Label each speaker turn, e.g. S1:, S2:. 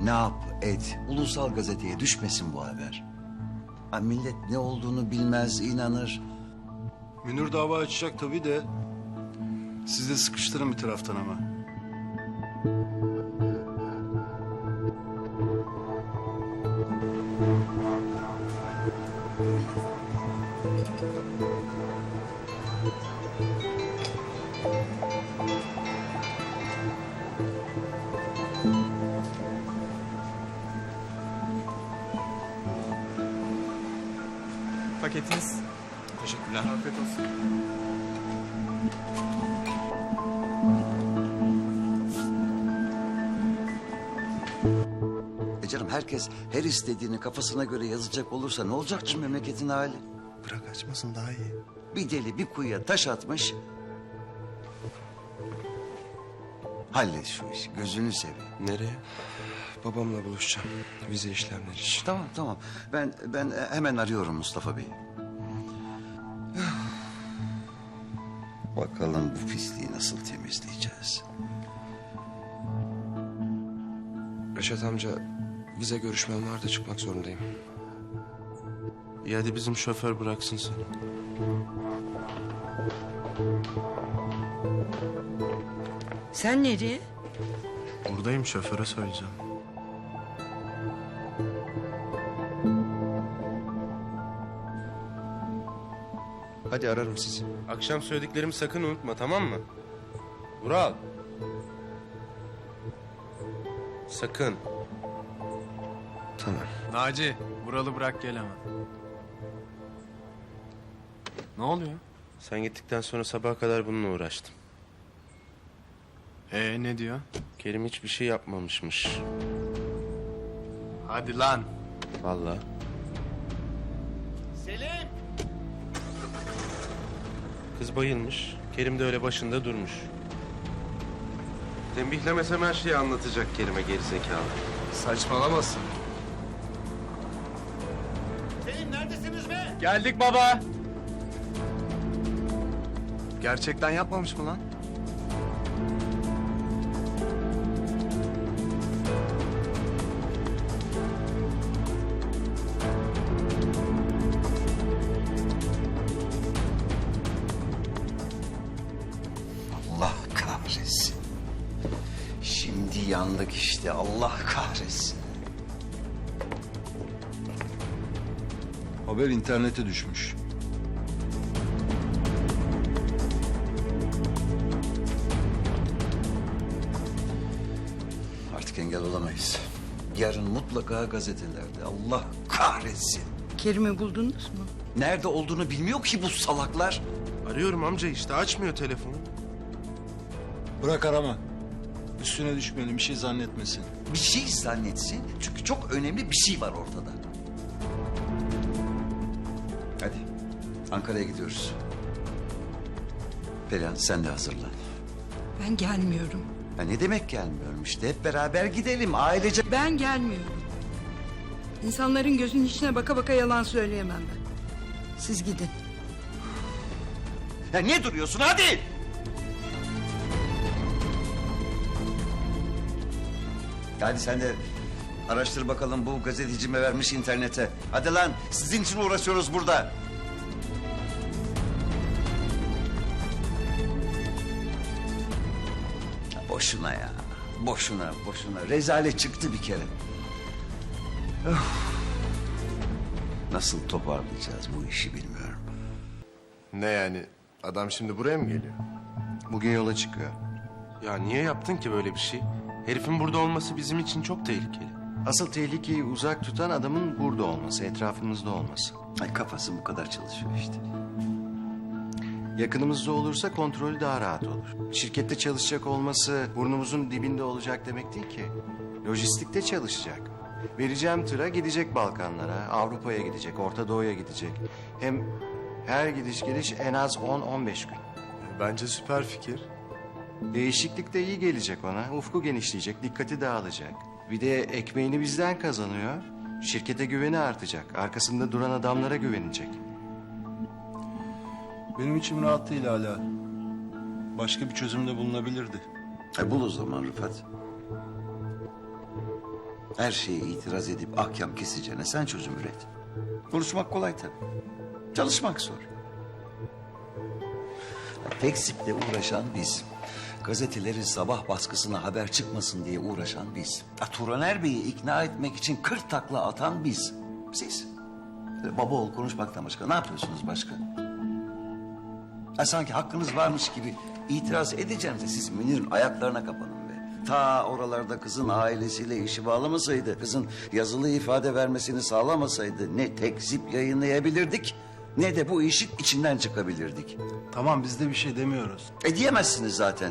S1: Ne yap et, ulusal gazeteye düşmesin bu haber. Ha, millet ne olduğunu bilmez, inanır.
S2: Münir dava açacak tabii de... ...siz de sıkıştırın bir taraftan ama.
S3: Paketiniz.
S4: Teşekkürler.
S3: Afiyet olsun.
S1: Canım herkes her istediğini kafasına göre yazacak olursa ne olacak şu memleketin hali?
S4: Bırak açmasın daha iyi.
S1: Bir deli bir kuyuya taş atmış. Hallet şu işi, gözünü seveyim.
S4: Nereye? Babamla buluşacağım. Vize işlemleri için.
S1: Tamam. Ben hemen arıyorum Mustafa Bey'i. Bakalım bu pisliği nasıl temizleyeceğiz?
S4: Reşat amca, vize görüşmem var da çıkmak zorundayım. İyi hadi bizim şoför bıraksın seni.
S5: Sen nereye?
S2: Buradayım, şoföre söyleyeceğim.
S4: Hadi ararım sizi. Akşam söylediklerimi sakın unutma, tamam mı? Vural. Sakın. Tamam.
S3: Naci, Vural'ı bırak gel hemen. Ne oluyor?
S4: Sen gittikten sonra sabaha kadar bununla uğraştım.
S3: Ne diyor?
S4: Kerim hiçbir şey yapmamışmış.
S3: Hadi lan.
S4: Vallahi.
S6: Selim!
S4: Kız bayılmış. Kerim de öyle başında durmuş. Tembihlemesem her şeyi anlatacak Kerim'e gerizekalı.
S3: Saçmalamasın.
S6: Selim neredesiniz be?
S3: Geldik baba. Gerçekten yapmamış mı lan?
S1: Allah kahretsin. Şimdi yandık işte, Allah kahretsin.
S2: Haber internete düşmüş.
S1: Artık engel olamayız. Yarın mutlaka gazetelerde, Allah kahretsin.
S5: Kerim'i buldunuz mu?
S1: Nerede olduğunu bilmiyor ki bu salaklar.
S4: Arıyorum amca işte açmıyor telefonu.
S2: Bırak arama. Üstüne düşmeyelim, bir şey zannetmesin.
S1: Bir şey zannetsin çünkü çok önemli bir şey var ortada. Hadi Ankara'ya gidiyoruz. Perihan sen de hazırlan.
S5: Ben gelmiyorum.
S1: Ya ne demek gelmiyorum işte, hep beraber gidelim ailece.
S5: Ben gelmiyorum. İnsanların gözünün içine baka baka yalan söyleyemem ben. Siz gidin.
S1: Ya niye duruyorsun, hadi! Hadi sen de araştır bakalım bu gazeteci mi vermiş internete. Hadi lan, sizin için uğraşıyoruz burada. Boşuna ya. Boşuna. Rezalet çıktı bir kere. Öf. Nasıl toparlayacağız bu işi bilmiyorum.
S4: Ne yani? Adam şimdi buraya mı geliyor?
S7: Bugün yola çıkıyor.
S4: Ya niye yaptın ki böyle bir şey? Herifin burada olması bizim için çok tehlikeli.
S7: Asıl tehlikeyi uzak tutan adamın burada olması, etrafımızda olması.
S1: Ay kafası bu kadar çalışıyor işte.
S7: Yakınımızda olursa kontrolü daha rahat olur. Şirkette çalışacak olması burnumuzun dibinde olacak demek değil ki. Lojistikte çalışacak. Vereceğim tıra gidecek Balkanlara, Avrupa'ya gidecek, Orta Doğu'ya gidecek. Hem her gidiş geliş en az 10-15 gün.
S3: Bence süper fikir.
S7: Değişiklik de iyi gelecek ona. Ufku genişleyecek, dikkati dağılacak. Bir de ekmeğini bizden kazanıyor. Şirkete güveni artacak. Arkasında duran adamlara güvenecek.
S2: Benim içim rahat değil hala. Başka bir çözüm de bulunabilirdi.
S1: Bul o zaman Rıfat. Her şeye itiraz edip ahkam keseceğine sen çözüm üret. Konuşmak kolay tabii. Çalışmak zor. Tekzip'le uğraşan biz. Gazetelerin sabah baskısına haber çıkmasın diye uğraşan biz. Turaner Bey'i ikna etmek için 40 takla atan biz. Siz. Baba oğul konuşmaktan başka ne yapıyorsunuz başka? Sanki hakkınız varmış gibi itiraz edeceğinize siz Münir'in ayaklarına kapanın be. Ta oralarda kızın ailesiyle işi bağlamasaydı, kızın yazılı ifade vermesini sağlamasaydı ne tekzip yayınlayabilirdik ne de bu işin içinden çıkabilirdik.
S2: Tamam biz de bir şey demiyoruz.
S1: Diyemezsiniz zaten.